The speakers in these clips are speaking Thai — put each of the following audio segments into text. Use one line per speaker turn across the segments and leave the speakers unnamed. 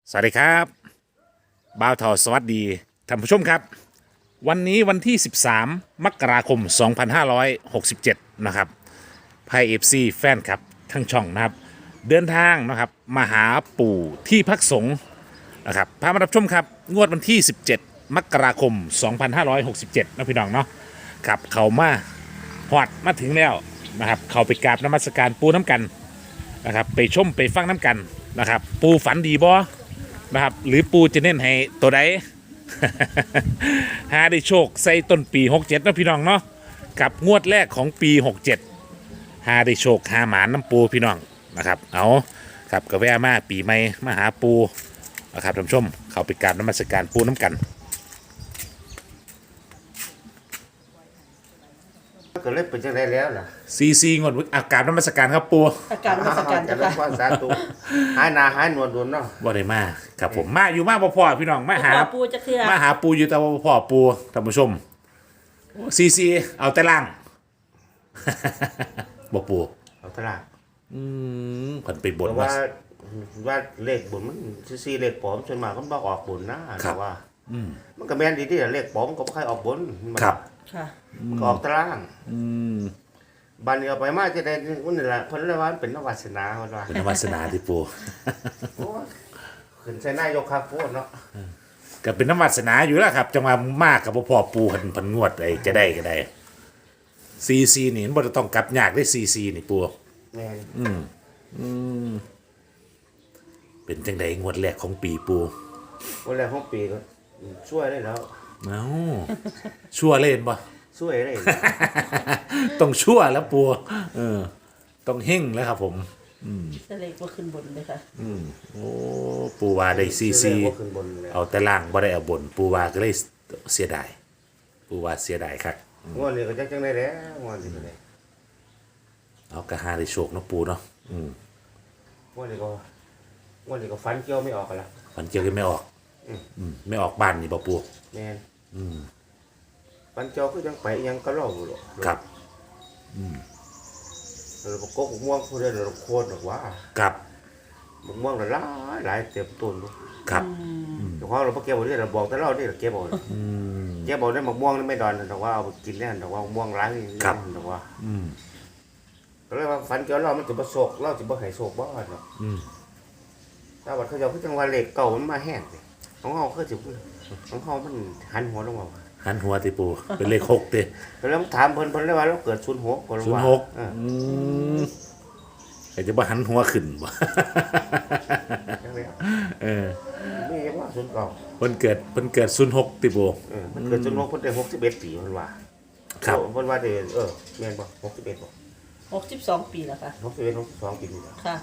สวัสดีครับบ่าวทอสวัสดีท่านผู้ชมครับวันนี้วันที่ 13 มกราคม 2567 นะครับไพ่เอฟซีแฟนครับทั้งช่องนะครับเดินทางนะครับมาหาปู่ที่พักสงฆ์นะครับพามารับชมครับงวดวันที่ 17 มกราคม 2567นะพี่น้องเนาะครับเขามาหอดมาถึงแล้วนะครับเขาไปกราบนมัสการปูน้ำกันนะครับไปชมไปฟังน้ำกันนะครับปูฝันดีบ่นะครับหรือปูจะเน้นให้ตัวใด หาได้โชคใส่ต้นปี67นะพี่น้องเนาะกับงวดแรกของปี67หาได้โชคหาหมานน้ำปูพี่น้องนะครับเอาครับก็แวะมาปีใหม่มาหาปูนะครับท่านผู้ชมเขาไปกราบนมัสการปูน้ำกัน
ก็เลยเป็นจังไดแล้วล่ะ
ซีงวดอากราบนมัสการครับปู
อาการมาสการ
จะ
จ้ะ
รับ
ค่ะ
ว่าสาธุหายหนาหายหนวดโดนเนาะ
บ่ได้มาครับผมมาอยู่มาบ่พอพี่น้องมาหา
พ่อปูจะเคลียร์
มาหาปูอยู่แต่ว่าบ่พอปูท่านผู้ชมซีเอาแต่ล่าง บ่ปู
เอาตลาด
เพิ่นไปบ
เพ
น
ราะ
ว่า
ว่าเลขบุญมันซีเลขปลอมส่วนมากมันบ่ออกบุญนะแต่ว่ามันก็แม่นดีที่เลขปลอมก็บ่ค่อยออกบุญมัน
ครับ
ค่ะ
มันก็ออกตาราง
ม
บัดนี้เอาไปมาจะได้มันนี่ล่ะเพิ่นเลยว่ามันเป็นวาสนาเพิ่นว่า
เป็นวาสนาที่ปู
โอ้ยขึ้นใส่นายกครับโพดเนาะ
ก็เป็นน้ำวาสนาอยู่แล้วครับจังหวะมากกับบ่พอปูเพิ่นงวดไอ้จะได้ก็ได้ซีนี่มันบ่ได้ต้องกลับยากได้ซีนี่ปู
แม่น
เป็นจังไดงวดแรกของปีปู
วันแรกของปีก็ช่วยได้แล้ว
เอ้าชั่วเล่นบ่
ช่วยได้
ต้องชั่วแล้วปูต้องเฮงแล้วครับผม
จะเล็กว่าขึ้นบนเลยค่ะ
โอ้ปูว่าได้ซี
บ่ขึ้นบนแล้ว
เอาแต่ล่างบ่ได้เอาบนปูว่าก็เลยเสียดายปูว่าเสียดายครับ
งวดนี้ก็จังได้แล้วงวดนี้ก็ได้
เอากระหาได้โชคเนาะปูเนาะ
งวดนี้ก็ฟันเกี่ยวไม่ออกกันละ
มันเจอกันไม่ออกไม่ออกบ้านนี่บ่ปู
แม่นปันเจ้าก็ยังไปยังก็เล่าอยู่หรอก
ครับ
เราประกบม่วงผู้ใดเราโคตรหรอกว่า
ครับ
ม่วงเราหลายเต็มต้นลูก
ครับ
แต่ว่าเราพอเก็บเอาที่เราบอกแต่เราที่เราเก็บเอาเก็บเอาได้มะม่วงนี่ไม่ดอนแต่ว่าเอาไปกินแน่แต่ว่าม่วงร้ายนี่แต่ว่าก็เลยว่าฝันเกี่ยวเรามันจะประสบเราจะบ่ให้โศกบ่เนาะถ้าว่าเขาจะพูดจังว่าเหล็กเก่ามันมาแห้งสิของเฮาคือสิของเฮามันหันหัวลงมา
หันหัวติปูเป็นเลข6ติ
แล้วถามเพิ่นเลยว่าเราเกิด06ก็ว่า
ไอ้จะบ่หันหัวขึ้นบ่
จังได๋ นี่ยังว่า09
เพิ่นเกิด06ติปู
มันเกิด06เพิ่นได้61ปีเพิ่นว่า
ครับ
เพิ่นว่าได้แม่นบ่61บ่
62 ปีแล้วค่ะ
61 62ปีนี่แหละ
ค่ะ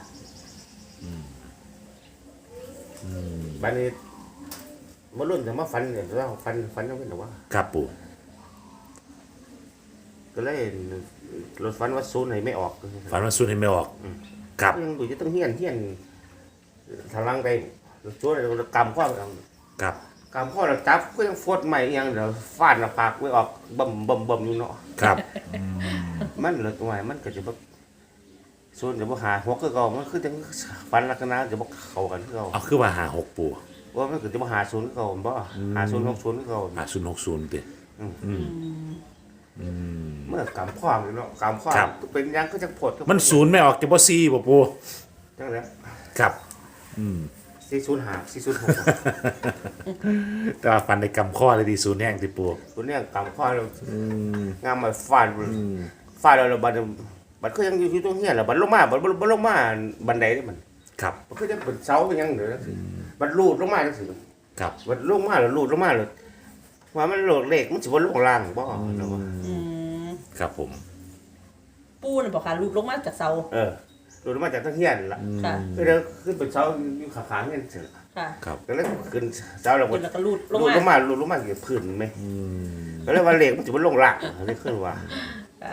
บัดนี้มารุ่นจะมาฝันเนี่ยว่าฝันจังเป็นหรอว่า
ครับปู
ก็เลยรถฝันว่าศูนย์ให้ไม่ออก
ฝันว่าสุดให้ไม่ออกครับ
ยังอยู่จะต้องเฮียนทางล่างไปช่วยเรากำข้อ
ครับ
กำข้อเราจับก็ยังฟดใหม่ยังเดี๋ยวฟาดหน้าผากไว้ออกบ่มอยู่เนาะ
ครับ
มันเหลือตัวใหม่มันก็จะบ่ศูนย์จะบ่หาหัวคือเก่ามันคือจังฝันลักษณะจะบ่เข้ากันคือเก่า
เอาคือว่าหา6ปู
ว่ามันคือจะบ่หาศูนย์คือเก่าบ่หาศูนย์60คือเก่า
หา060ติ
เมื่อกำข้ออยู่เนาะกำข้อเป็นยังก็จังพด
มันศูนย์ไม่ออกจะบ่4บ่ปู
จังได๋
ครับ
405 406
แต่ว่าฟันในกำข้อเลยดีศูนย์แห้งติปู
ตัวเนี้ยกำข้อเรางามมาฟาดเราบัดก็ยังอยู่ตรงเฮียแหละบัดลงมาบัดลงมาบันไดนี่มัน
ครับ
มันก็จะเป็นเสาเป็นยังเด้อบัดลูดลงมาจังซี่
ครับ
บัดลงมาแล้วลูดลงมาเลยว่ามันโหลดเลขมันสิบ่ลงล่างบ่เนาะ
ครับผม
ปูน่ะบอกค่ะลูกลงมาจากเสา
ลูดลงมาจากทางเฮียนล่ะ
ค่ะ
ก็เลยขึ้นเป็นเสาอยู่ข้างๆเฮียนเสร็จ
ค่ะ
ครับ
ก็เลยขึ้นเสาแล้ว
ขึ้นแล้วก็ลูดลง
ลูดลง
มา
มาลูดลงมาเกี่ยวพื้นไหมก็เลยว่าเลขมันสิบ่ลงล่างนี่ขึ้นว่า
ค่ะ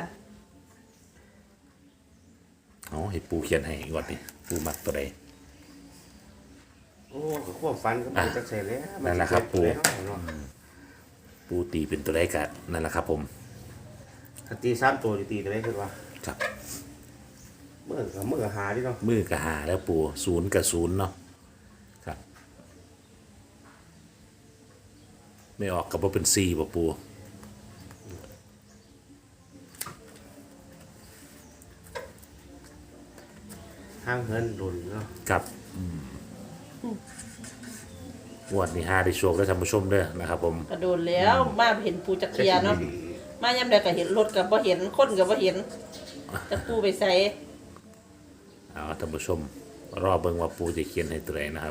เอาให้ปูเขียนให้ก่อนดิปูมักตัวใด
โอ้ก็ความฝันก็มันจังซี่แหล้ว
นั่นแหละครับปู่
เนาะ
ปูตีเป็นตัวใดกันนั่นแหละครับผม
ถ้าตี3ตัวจะตีตัวไหนขึ้นว่า
ครับ
มือหาดิเนาะ
มือกับหาแล้วปูศูนย์กับศูนย์เนาะครับไม่ออกกับว่าเป็นซีบ่ปู
ห้างเฮินดุนเนาะ
ครับงวดนี้5ได้โชคได้ท่านผู้ชมเด้อนะครับผม
กระโดดแล้วมาเห็นปูจักเทียเนาะมายามใดก็เห็นรถก็บ่เห็นคนก็บ่เห็นจะปูไปใส่
เอาท่านผู้ชม รอเบิ่งว่าปูจะเขียนให้ตัวไหนนะครับ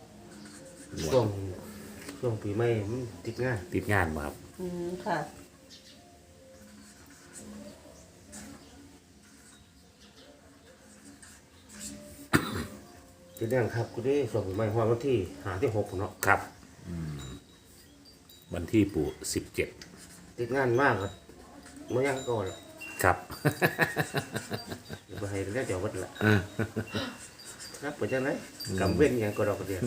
ช่วงปีใหม่มันติดง่าย
ติดงานมาครับ
ค่ะ
ติดแน่ครับกูได้ช่วงปีใหม่ฮอดวันที่6เนาะ
ครับวันที่ปู17
ติดงานมากครับบ่ยังก่อนละ
ครับ
บ่ให้ได้เดี๋ยววัดละครับไปจังได๋กำเว้นหยังก็ดอกกระเดียว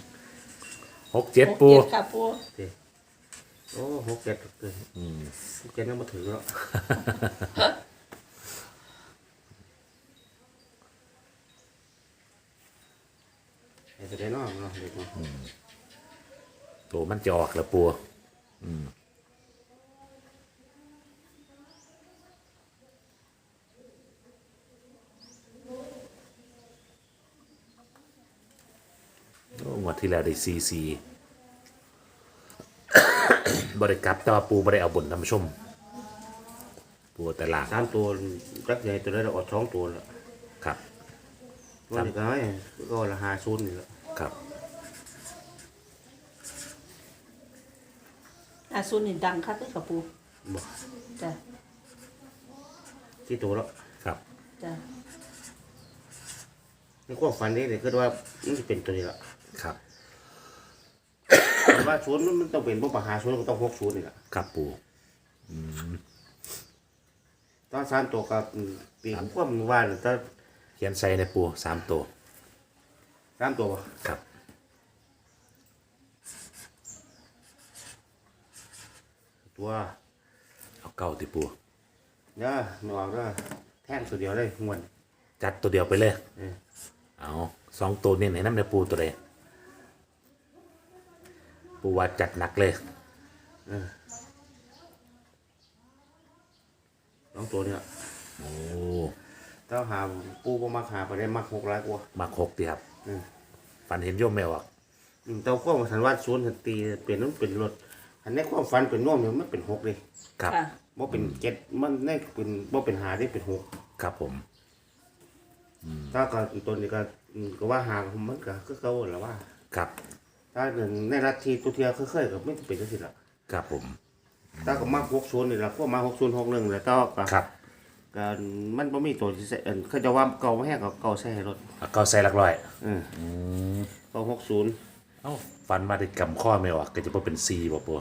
67ปู
67ค่ะปู
โอ้6 7เกิน6 7ยังบ่ถึงเนาะให้ไปได้เนาะเนาะเด็กเนาะ
ตัวมันจะออกแล้วปูโอ้งวดที่แล้วได้ซี บริกรับแต่ว่าปูบริเอาบนท่านผู้ชม ปูแต่ล่าง
3ตัวจักใหญ่ตัวนั้นออก2ตัวแล้ว
ครับ
วันนี้ก็ให้ก็ละ50นี่ละ
ครับ
ซุนนี่ดังคักเลยค่ะปู
บ่
จ้ะ
ที่ตัวแล้ว
ครับ
จ้ะ
ในความฝันนี่คือว่ามันจะเป็นตัวนี้ละ
ครับ
แต่ว่าศูนย์มันต้องเป็นพวกปัญหาศูนย์ก็ต้อง60นี่ละ
ครับปู
ตอน3ตัวกับปีความว่าน่ะตอน
เขียนใส่ในปู3ตัว
3ตัวบ่
ครับ
ตัว
เอาเก้าติปู
เด้อไม่ออกเด้อแท่งตัวเดียวเลยงวน
จัดตัวเดียวไปเลย
เออ
เอา2ตัวเน้นให้น้ำในปูตัวใดปูว่าจัดหนักเลย
2ตัวเนี่ย
โอ้
ถ้าหาปูบ่มักหาไปได้มัก6หลายกว่า
มา6ดีครับ
อืม
ฝันเห็นโยมแมวอ่ะ
แต่ความสันว่าศูนย์สันตีเป็นมันเป็นรถอันในความฝันเป็นน่วมเนี่ยมันเป็น6เลย
ครับ
ค่ะ
บ่เป็น7มันได้เป็นบ่เป็น5ได้เป็น6
ครับผม
ถ้าก็อีกตัวนี้ก็ว่าหามันก็คือเก่าแหละว่า
ครับ
ถ้าในรัฐที่ตัวเทียเคยๆก็ไม่เป็นจังซี่ล่ะ
ครับผม
ถ้าก็มา60นี่ล่ะพวกมา6061แล้วก็
ครับ
ก็มันบ่มีตัวที่ใส่เขาจะว่าเก่าบ่แห้งก็เก่าใส่ให้รถ
เอาเก้าใส่หลักร้อย
เก่า60
เอ้าฝันมาได้กำข้อแมวอ่ะก็จะบ่เป็น4บ่ปู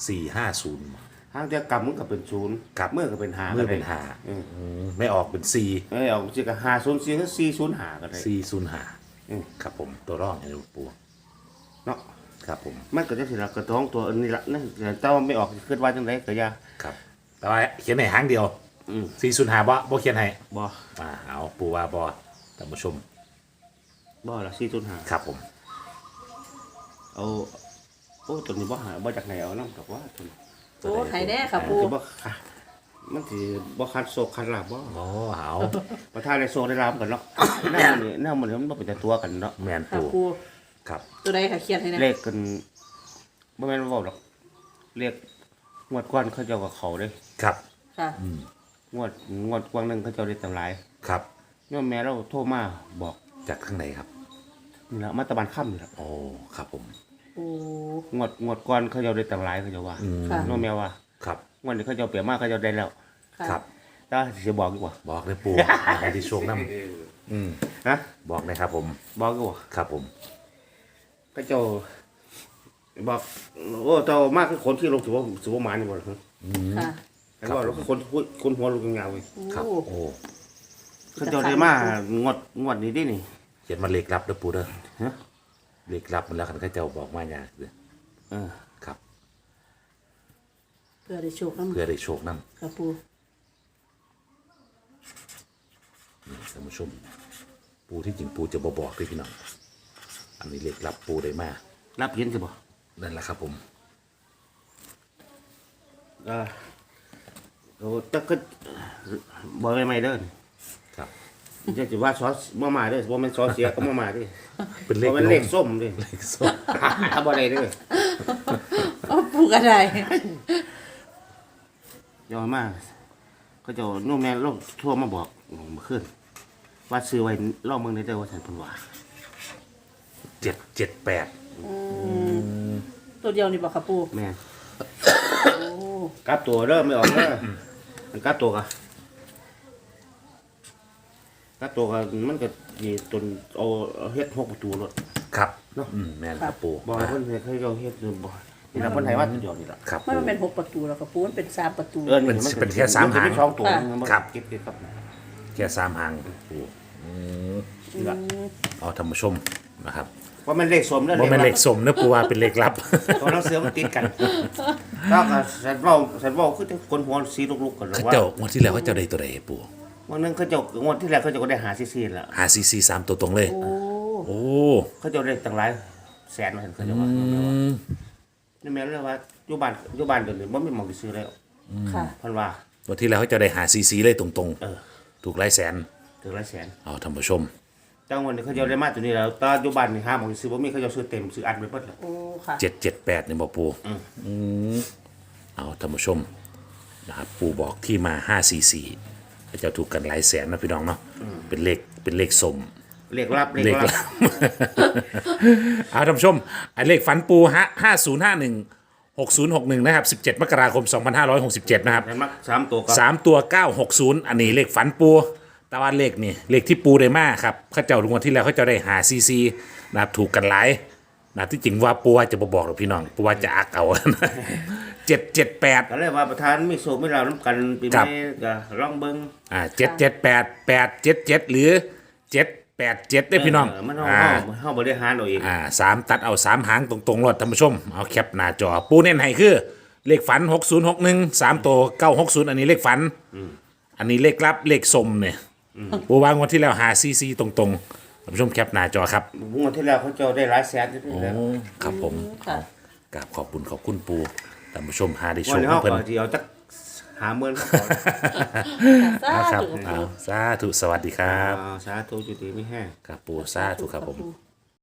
450
ทางจะกำมันก็เป็น0
ครับ
เมื่อก็เป็น5
เมื่อเป็น
ก็ได้
ไม่ออกเป็น4
เอาสิก็504ก็405ก็ได้
405ครับผมตัวร่องให้ดูปู
เนาะ
ครับผม
มันก็จังซี่ล่ะก็ท้องตัวอันนี้ล่ะนั่นแต่ว่าไม่ออกคิดว่าจังไดก็อย่า
ครับ แต่ว่าเขียนให้หางเดียว
อืม
405บ่เขียนให้
บ่
เอาปูว่าบ่ท่านผู้ชม
บ่ล่ะ405
ครับผม
เอาโอ้ตัวนี้บ่หาบ่จากไหนเอานำดอกว่าตัวนี้
โอ้ไห้แน่ค่ะปู
สิบ่ค่ะมันสิบ่คัดโศกคัดลาบบ่
โอ้เอา
ประธานได้โศกได้ลาบกันเนาะหน้ามันมันบ่เป็นแต่ตัวกันเนาะ
แม่น
ค่ะ
ปู
ปู
ครับ
ตัวใดค่ะเขียนให้แน่
เลขกันบ่แม่นว่าเว้าดอกเลขงวดก่อนเขาเจ้าก็เข้าเด้
ครับ
ค่ะ
งวดกวางหนึงเขาเจ้าได้ตำหลาย
ครับ
ย้อนแม่เราโทรมาบอก
จากข้างในครับ
นี่ล่ะมาตะบันค่ำนี่ล่ะ
โอ้ครับผม
โอ้
งวดก่อนเขาเจ้าได้ตำหลายเขาเจ้าว่า
ค่ะ
น้องแม่ว่า
ครับ
งวดนี้เขาเจ้าเปรียบมาเขาเจ้าได้แล้ว
ค่ะ
ครับ
ถ้าสิบอกดีกว่า
บอกเลยปู ให้ที่โชคน้ำ
ฮะ
บอกเลยครับผม
บอกดีกว่า
ครับผม
ก็เจ้าบอกโอ้เจ้ามากคือคนที่ลงถือว่าถือว่าหมานี่บ่ล่ะฮะ
ค่ะ
แต่ว่าเราคนหัวลูกยาวๆเลย
ครับ
โอ้
โอ้
เขาเจ้าได้มางวดนี้ดินี่
เขียนมาเลขลับเด้อปูเด้อ
ฮะ
เลขลับมันแล้วกันเขาเจ้าบอกมาอย่างเด้อ
เออ
ครับ
เพื่อได้โชคน้ำ
เพื่อได้โชคน้ำ
ค่ะปู
นี่ท่านผู้ชม ปูที่จริงปูจะบบอกด้วยพี่น้อง อันนี้เลขลับปูได้มา
รับเย็นสิบ่
นั่นแหละครับผม
เราจะก็บ่ไม่เด้อ
ครับ
จะว่าซอสมาเด้อบ่แม่นซอสเสียก็มาเด้อ
เป็นเล
บ่
ข
แม่นเลขส้มเด้อ
เลขส้ม
ถ้าบ่ได้เด้อ
เอาปูกระได
ยอมมากก็จะนู่นแม่ลงทั่วมาบอกเมื่อคืนว่าซื้อไว้รอบเมืองได้เด้อว่าฉันเพิ่นว่า
778
ตัวเดียวนี่บอกค่ะปู
แม่น
โอ้
กลับตัวเด้อไม่ออกเด้อมันกลับตัวกะกลับตัวกะมันก็มีตนเอาเฮ็ด6ประตูรถ
ครับ
เนาะ
แม่นครับปู
บ่ให้เพิ่นเฮ็ดให้เราเฮ็ดอยู่บ่นี่ล่ะเพิ่นให้ว่าตัวเดียวนี่ล่ะ
ครับ
ไม่
ปู
มันเป็น6ประตูแล้วค่ะปูมันเป็น3ประตู
เป็นแค่สามหาง
สองตัว
ครับ
เก็บครับ
แค่3หางปู
นี่ล่ะ
เอาท่านผู้ชมนะครับ
ว่ามันเลขสมเด้อ
ว่าเป็นเลขสมเนื้อปูว่าเป็นเลขลับ
ตัวหนังสือมันติดกันแล้วก็ฉันเว้าคือจังคนหัวสีลุกๆกัน
เขา
ว่า
เจ้างวดที่แล้วเขาเจ้าได้ตัวใดปู
วันนึงเขาเจ้างวดที่แล้วเขาเจ้าก็ได้หาซีๆแล้ว
หาซีซีสามตัวตรงเลย
โอ้
โอ้
เขาเจ้าได้ตั้งหลายแสนมาเห็นเขาเจ้าว่านี่แม่นเลยว่าอยู่บ้านเดี๋ยวนี้บ่มีหม่องสิซื้อแล้ว
ค่ะ
เพิ่นว่า
วันที่แล้วเขาเจ้าได้หาซีซีเลยตรง
เออ
ๆ ถูกหลายแสน
ถึงหลายแสน
เอาท่านผู้ชม
จังวันนี้เขาเจ้าได้มาตัวนี้แล้วแตอนอยู่บ้านนี่หาหม่องสิซื้อบ่มีเขาเจ้าซื้อเต็มซื้ออัดไว้เบิดแล้ว
โอ้ค่ะ
778เนี่ยบอกปูเอาท่านผู้ชมนะครับปูบอกที่มา544เขาเจ้าถูกกันหลายแสนนะพี่น้องเนาะเป็นเลขสม
เลขลับ
เลขลับ เอาท่านผู้ชมไอ้เลขฝันปูฮะ5051 6061นะครับ17มกราคม2567นะครับ
เห็นมั้ย3ตัวก็
3ตัว960อันนี้เลขฝันปูแต่ว่าเลขนี่เลขที่ปูได้มาครับเขาเจ้าทุกวันที่แล้วเขาเจ้าได้หาซีซีนะครับถูกกันหลายนะที่จริงว่าปูว่าจะบอกหรอกพี่น้องปูว่าจะอักเอา 778
ก็เลยว่าประธานมีโชคมีลาภนํกันปี
ครับ
นี้ก็ลองเบิ่ง
778 877หรือ787ได้พี่น้อง
มันเฮา
อ่า
เฮาบริหารเอาเอง
3ตัดเอา3หางตรงๆรถท่านผู้ชมเอาแคปหน้าจอปูเน้นให้คือเลขฝัน6061 3ตัว960อันนี้เลขฝันอันนี้เลขลับเลขสมเนี่ยปูวางวันที่แล้วหาซีซีตรงๆท่านผู้ชมแคปหน้าจอครับ
งวดที่แล้วเขาเจ้าได้หลายแสนอยู่นี่แหล้ว
ครับผม
ค่ะ
กราบขอบคุณปูท่านผู้ชมหาได้โช
วัน
ค
นี้
กั
เฮา
บเพิ่น
ก็สิเอาจัก50,000ครับ
สา
ครับ
ธุ
เอาสาธุสวัสดีครับ
สาธุจุติไม่แห้ง
ครับปูสาธุครับผม
ปู